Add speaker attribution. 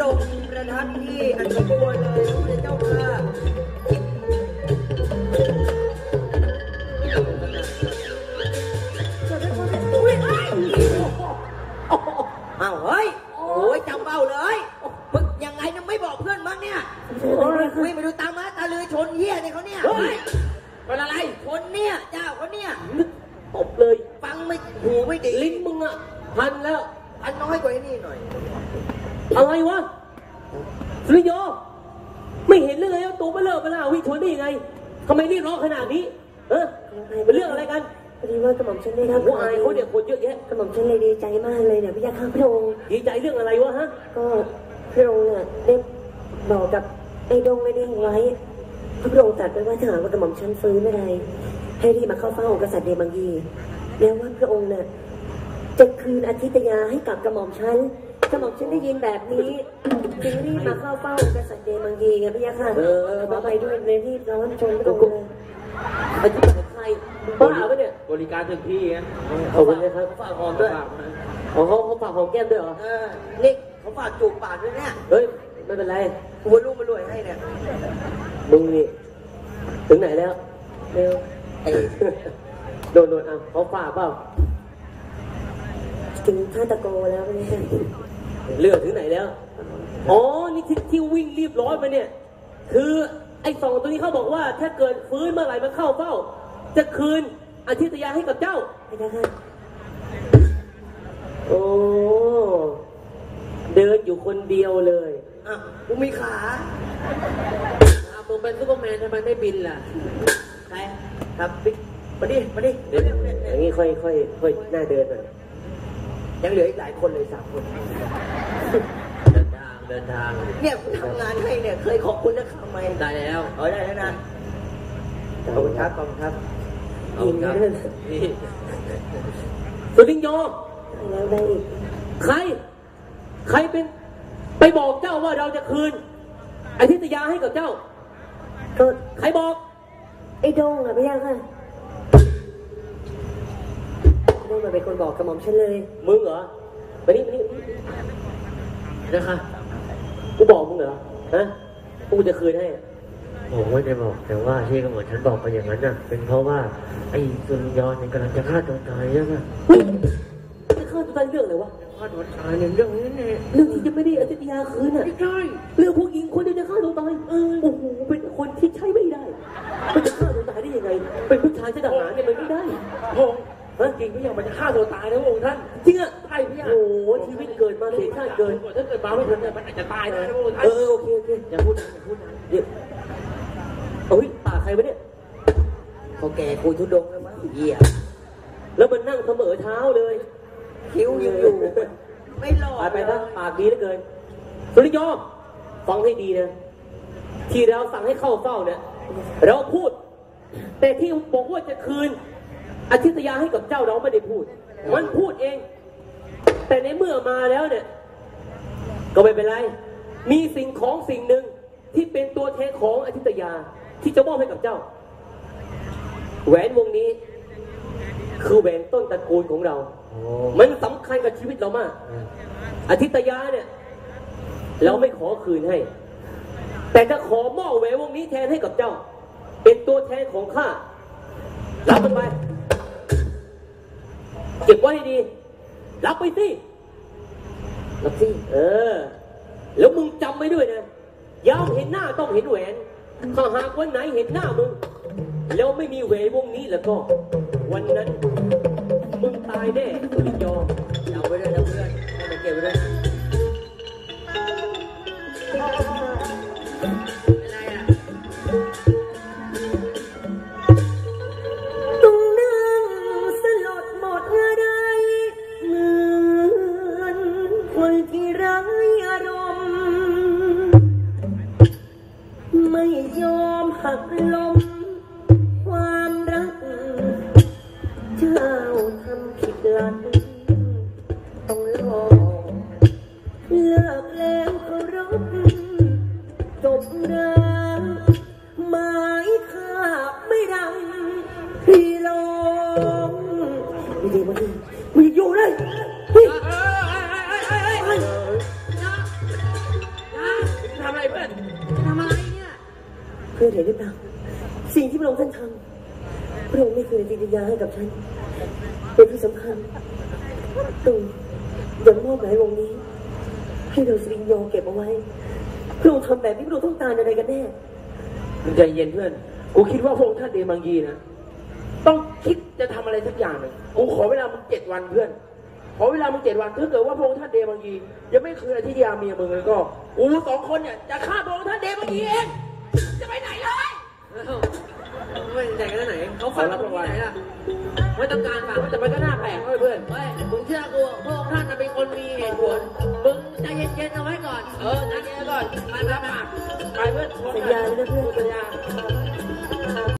Speaker 1: ระองค์ประทับที่อันสมควรเลยพระเจ้าค่ะอ้าวเฮ้ยโอ้ยจำเบ้าเลยมึงยังไงยังไม่บอกเพื่อนมั้งเนี่ยคุยไปดูตามมาตาลือชนเหี้ยเนี่ยเขาเนี่ยเป็นอะไรคนเนี่ยเจ้าเขาเนี่ยตบเลยฟังไม่หูไม่ดีลิ้นมึงอ่ะพันแล้วพันน้อยกว่านี่หน่อย
Speaker 2: อะไรวะสุริโยไม่เห็นเรื่องอะไรตัวเบลอเบล่าวิชนได้ยังไงทำไมรีบร้องขนาดนี้เป็นเรื่องอะไรกัน
Speaker 3: พอดีว่ากระหม่อมฉันได้รับ
Speaker 2: ผู้อายเขาเด็กคนเยอะแยะ
Speaker 3: กระหม่อมฉันเลยดีใจมากเลยเนี่ยพี่ยาข้าพระองค์
Speaker 2: ดีใจเรื่องอะไรวะฮะ
Speaker 3: ก็พระองค์เนี่ยได้บอกกับไอ้ดงไอ้เด้งไว้พระองค์ตรัสไว้ว่าถ้าหากว่ากระหม่อมฉันฟื้นเมื่อไรให้รีบมาเข้าเฝ้ากษัตริย์เดมังยีแล้วว่าพระองค์เนี่ยจะคืนอธิตยาให้กับกระหม่อมฉันได้ยินแบบนี้จึงรีบมาเข้าเฝ้ากษัตริย์เดมังยีไงพี่ยาค่ะมาไปด้วยเลยรีบร้อนชนพระองค์เลย
Speaker 2: อธิบายใครบ้าปะเนี่ย
Speaker 4: บริการถึงที่นะ
Speaker 2: ขอบคุณนะครับ
Speaker 1: ฝากหอมด้วย
Speaker 2: เขาฝากหอมแก้มด้วยเหรอ
Speaker 1: นี่เขาฝากจูบปากด้วยเนี่ย
Speaker 2: เฮ้ยไม่เป็นไร
Speaker 1: หัวลูกมารวยให้เนี่ย
Speaker 2: มึงนี่ถึงไหนแล้วเร็วโดนอ่ะเขาฝากเปล่า
Speaker 3: ถึงท่าตะโกแล้วไม่ใช่
Speaker 2: เลือดถึงไหนแล้วอ๋อนี่ที่วิ่งรีบร้อนมาเนี่ยคือไอ้สองตัวนี้เขาบอกว่าถ้าเกิดฟื้นเมื่อไหร่มาเข้าเฝ้าจะคืนอธิตยาให้กับเจ้า
Speaker 3: ไม่ได้ค่ะ
Speaker 2: โอ้เดินอยู่คนเดียวเลย
Speaker 1: อ่ะกูมีขา
Speaker 4: มึงเป็นซุปเปอร์แมนทำไมไม่บินล่ะ
Speaker 1: ใครครับบิ๊กมาดิ
Speaker 2: อย่างนี้ค่อยหน้าเดินหน่อย
Speaker 1: ยังเหลืออีกหลายคนเลย3 คน
Speaker 4: เดินทาง
Speaker 1: เนี่ยคุณทำงานให้เนี่ยเคยขอบคุณนะคำไหม
Speaker 4: ได้แล้ว
Speaker 1: ได้แล้วนะขอบคุณครับ
Speaker 2: ยิงครับสุริโย
Speaker 3: แล้วได้อีก
Speaker 2: ใครเป็นไปบอกเจ้าว่าเราจะคืนอธิตยาให้กับเจ้า
Speaker 3: ก็
Speaker 2: ใครบอก
Speaker 3: ไอ้ดงอ่ะพี่ยังค่ะดงมาเป็นคนบอกกระหม่อมฉันเลย
Speaker 2: มึงเหรอไปนี่นะคะกูบอกมึงเหรอฮะกูจะคืนให้
Speaker 4: ผมไม่ได้บอกแต่ว่าที่กระหม่อมฉันบอกไปอย่างนั้นน่ะเป็นเพราะว่าไอ้สุริยนเนี่ยกำลังจะฆ่าตัวตายใช่ไหม
Speaker 2: จะฆ่าตัวตายเรื่องอะไรวะ
Speaker 4: ฆ่าตัวตายเรื่องนี้เนี่ย
Speaker 2: เรื่องที่จะไม่ได้อธิตยาคืนอ่ะ
Speaker 4: ไม่ใช่
Speaker 2: เรื่องผู้หญิงคนเดียวจะฆ่าตัวตายโอ้โหเป็นคนที่ใช้ไม่ได้มันจะฆ่าตัวตายได้ยังไงเป็นผู้ชายทหารเนี่ยมันไม่ได้
Speaker 4: จริงพี่ยังมันจะฆ่าตัวตายนะพระองค์ท่าน
Speaker 2: จริงอ่ะ
Speaker 4: ใช่พี่
Speaker 2: โอ้โหชีวิตเกิดมาเสียชาติเกิน
Speaker 4: ถ้าเกิดมาไม่ทันเนี่ยมันอาจจะตายนะพระองค์ท่าน
Speaker 2: โอเคอย่าพูดนะเดี๋ยวเฮ้ยปากใครวะเนี่ย
Speaker 1: เขาแก่คุยทุดงแล้วมั้งเหี้ย
Speaker 2: แล้วมันนั่งเสมอเท้าเลย
Speaker 1: คิ้วยังอยู่ไม่หลอด
Speaker 2: ไปนะปากดีเหลือเกินสุริยอฟังให้ดีนะที่เราสั่งให้เข้าเฝ้าเนี่ยเราพูดแต่ที่บอกว่าจะคืนอธิตยาให้กับเจ้าเราไม่ได้พูดมันพูดเองแต่ในเมื่อมาแล้วเนี่ยก็ไม่เป็นไรมีสิ่งหนึ่งที่เป็นตัวแทนของอธิตยาที่จะมอบให้กับเจ้าแหวนวงนี้คือแหวนต้นตระกูลของเรามันสำคัญกับชีวิตเรามากอธิตยาเนี่ยเราไม่ขอคืนให้แต่จะขอมอบแหวนวงนี้แทนให้กับเจ้าเป็นตัวแทนของข้ารับมันไปเก็บไว้ให้ดีรับไปสิรับสิแล้วมึงจำไว้ด้วยนะยามเห็นหน้าต้องเห็นแหวนถ้าหากวันไหนเห็นหน้ามึงแล้วไม่มีแหวนวงนี้แล้วก็วันนั้นมึงตายแน่สุริยอ
Speaker 1: เอาไว้ด้วยนะเพื่อนให้มันเก็บไว้ด้วย
Speaker 3: ไม่ยอมหักลมความรักเจ้าทำผิดหลักต้องรอเลิกแล้วก็รบจบรักหมายข้าไม่ดังพี่ลงดีมึงอยู่เลยพื่อนเห็นหรือเปล่าสิ่งที่พระองค์ท่านทำพระองค์ไม่เคยจิตยาให้กับฉันเป็นที่สำคัญตู่ยังมอบหมายวงนี้ให้เราสริงโยเก็บเอาไว้พระองค์ทำแบบนี้พระองค์ต้องการอะไรกันแน่
Speaker 2: มึงใจเย็นเพื่อนกูคิดว่าพระองค์ท่านเดมังยีนะต้องคิดจะทำอะไรสักอย่างหนึ่งกูขอเวลามึง7 วันเพื่อนขอเวลามึง7 วันถ้าเกิดว่าพระองค์ท่านเดมังยียังไม่คืนอธิยาเมียมึงเลยก็กู2 คนเนี่ยจะฆ่าพระองค์ท่านเดมังยีเองจะไปไหนเลย
Speaker 1: ไม่ไหนกันไหนเขาฟังเราที่ไหนล่ะไม่ต้องการฟังแต่มันก็น่าแปลกเพื่อนเฮ้ยมึงเชื่อกูพวกท่านเป็นคนมีเหตุผลมึงใจเย็นๆเอาไว้ก่อนใจเย็นก่อนไปเพื่อน
Speaker 3: สัญญาเลยนะเพื่อน